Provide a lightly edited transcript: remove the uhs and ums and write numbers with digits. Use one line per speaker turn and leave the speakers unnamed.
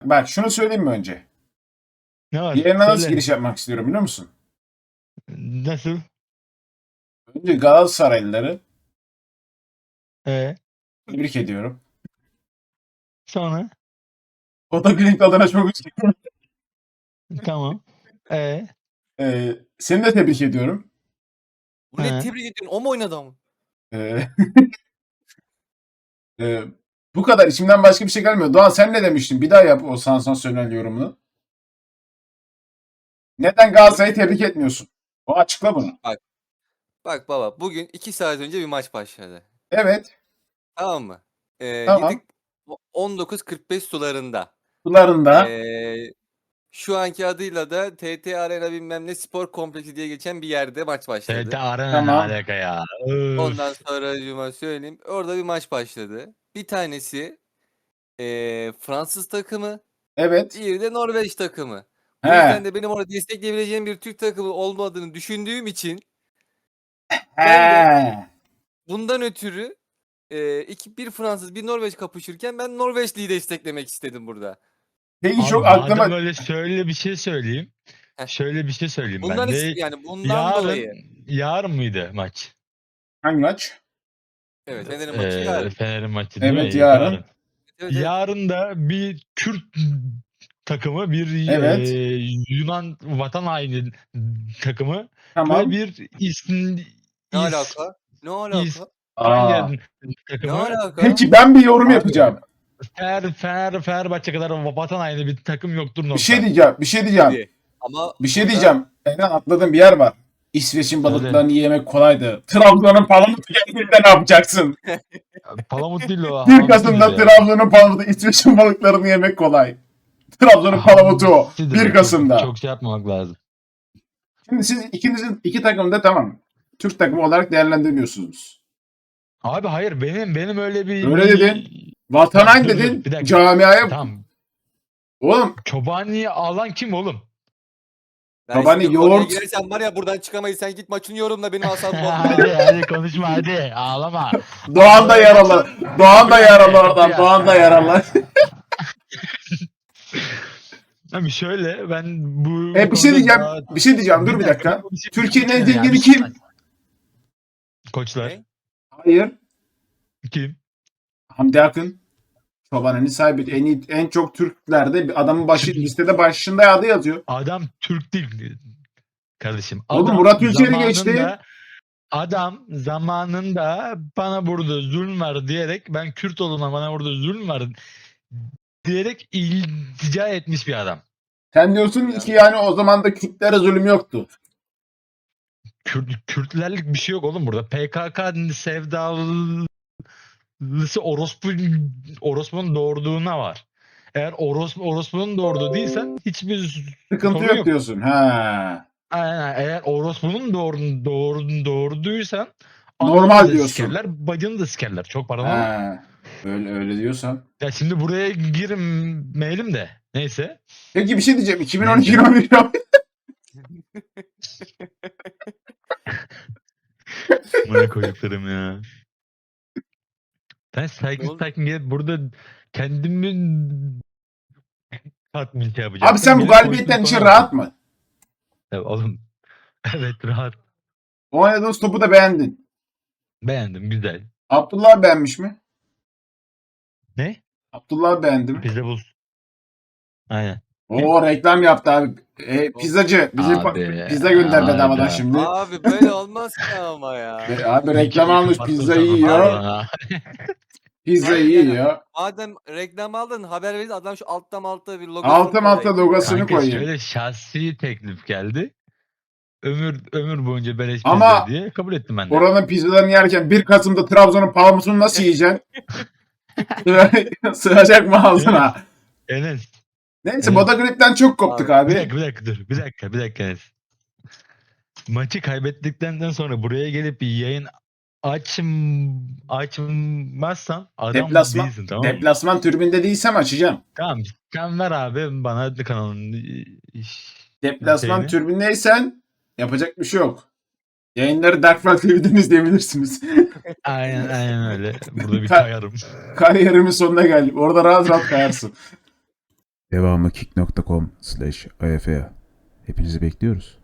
Bak şunu söyleyeyim mi önce?
Ne var?
Yerine nasıl
Söyle.
giriş yapmak istiyorum biliyor musun?
Nasıl?
Önce Galatasaraylıları
Ee,
tebrik ediyorum.
sonra?
Otoklinik adına çok üzgünüm.
Tamam. Ee,
Seni de tebrik ediyorum.
Bu ne
he.
tebrik ediyorsun? O mu oynadı ama?
Ee, e, Bu kadar içimden başka bir şey gelmiyor. Doğan sen ne demiştin? Bir daha yap o sansasyonel yorumunu. Neden Galatasaray'ı tebrik etmiyorsun? O açıkla bunu.
Bak baba, bugün 2 saat önce bir maç başladı.
Evet.
Tamam mı?
Tamam.
19.45 sularında.
Sularında.
Şu anki adıyla da TT Arena bilmem ne spor kompleksi diye geçen bir yerde maç başladı.
TT Arena ne
Tamam.
alaka ya?
Ondan sonra cuma söyleyeyim. Orada bir maç başladı. Bir tanesi Fransız takımı,
Evet.
diğeri de Norveç takımı. Bu
He.
yüzden de benim orada destekleyebileceğim bir Türk takımı olmadığını düşündüğüm için ben de
He.
bundan ötürü bir Fransız bir Norveç kapışırken ben Norveçli'yi desteklemek istedim burada.
Peki
Abi
çok
madem
aklıma...
öyle şöyle bir şey söyleyeyim.
Heh.
Şöyle bir şey söyleyeyim
Bundan
ben de.
bundan dolayı.
Yarın mıydı maç?
Hangi maç?
Evet, Fener'in maçı yarın.
Fener'in maçı değil
Evet
mi?
yarın.
Evet, evet.
Yarın da bir Kürt takımı, bir
Evet.
Yunan vatan haini takımı ve
Tamam.
bir
Ne alaka? Ne alaka?
Aa.
İspanya
Ne
takımı
alaka?
Peki ben bir yorum
Abi,
yapacağım.
Fenerbahçe kadar vatan haini bir takım yoktur
Bir
nokta.
şey diyeceğim. Bir şey diyeceğim.
Dedi. Ama
Bir şey
burada
diyeceğim. Eren atladığım bir yer var. İsveç'in
Söyle.
balıklarını yemek kolaydı. Trabzon'un palamutu geldiğinde ne yapacaksın?
Palamut değil o.
1
hamsi
Kasım'da
bize.
Trabzon'un palamutu, İsveç'in balıklarını yemek kolay. Trabzon'un palamutu o.
Hamsidir
1
o.
Kasım'da.
Çok şey yapmamak lazım.
Şimdi siz ikinizin iki takımı da tamam. Türk takımı olarak değerlendirmiyorsunuz.
Abi hayır, benim öyle bir...
Öyle dedin. Vatan haini
Dur,
dedin.
bir dakika.
Camiaya...
Tamam.
Oğlum
Çobani'yi alan kim oğlum?
ben
Babani
şimdi konuya
yoğurt-
girersen var ya buradan çıkamayız. Sen git maçını yorumla, benim asabımı bozma.
hadi konuşma hadi. Ağlama.
Doğan da yaralı. Doğan da yaralı oradan. Doğan da yaralı.
Abi şöyle ben bu
Bir şey
konuda
diyeceğim.
daha-
Bir şey diyeceğim. Dur bir dakika. Türkiye'nin en zengini kim?
Koçlar.
Ne?
Hayır.
Kim?
Hamdi Akın. Çoban'ın sahibi. En çok Türklerde bir adamın listede başında adı yazıyor.
Adam Türk değil kardeşim.
Oğlum
Adam
Murat Ülker'i geçti.
Adam zamanında bana burada zulüm var diyerek, ben Kürt olduğuna bana burada zulüm var diyerek iltica etmiş bir adam.
Sen diyorsun
Ya.
ki yani o zaman da Kürtlere zulüm yoktu.
Kürtlerlik bir şey yok oğlum burada. PKK sevdalısı orospunun doğurduğuna var. Eğer orospunun doğurduğu değilsen hiçbir
Sıkıntı
sorun
yok
yok.
diyorsun. Ha.
Aynen. Eğer orospunun doğurduysan
Normal
ananı da
diyorsun.
sikerler, bacını da sikerler. Çok paran olur.
Ha. Öyle diyorsan.
Ya şimdi buraya girmeyelim de. Neyse.
Peki bir şey diyeceğim. 2012-2011
Bana koyduklarım ya. Ben
Ne oldu?
sakin gelip burada kendimi tatmin şey yapacağım.
Abi sen bu
Gelip
galibiyetten
koyduğun
için
konuya
rahat
bak.
mı?
Evet, oğlum. Evet, rahat.
Oynadığınız topu da beğendin.
Beğendim, güzel.
Abdullah beğenmiş mi?
Ne?
Abdullah beğendi mi?
Pizza buz. Aynen.
Oo reklam yaptı abi. Pizzacı. Bize
Abi,
pizza gönder
abi.
bedavadan şimdi.
Abi böyle olmaz ki ama ya.
Abi reklam almış.
Kapattım
Pizzayı
sana
yiyor.
falan.
Pizzayı
Yani
yiyor.
madem reklam aldın, haber verin, adam şu altta bir logosunu
Alta
koyayım.
logosunu
Kanka
koyayım.
şöyle şahsi teklif geldi. Ömür boyunca beleş
Ama
pizza diye kabul ettim ben de.
oranın pizzalarını yerken 1 Kasım'da Trabzon'un palamutunu nasıl yiyeceksin? Sığacak mı ağzına?
Enes.
Neyse
Evet.
Boda Grip'ten çok koptuk abi.
Bir dakika dur. Bir dakika Enes. Maçı kaybettikten sonra buraya gelip bir yayın açmazsan adam değilsin, tamam mı?
Deplasman tribünde değilsem açacağım.
Tamam. Sen ver abi bana kanalın
Deplasman
şeyini.
tribündeysen yapacak bir şey yok. Yayınları Dark Flag TV'den izleyebilirsiniz.
Aynen öyle. Burada bir kayarım.
Kariyerimin sonuna geldim. Orada rahat rahat kayarsın. Devamı kick.com/AFA. Hepinizi bekliyoruz.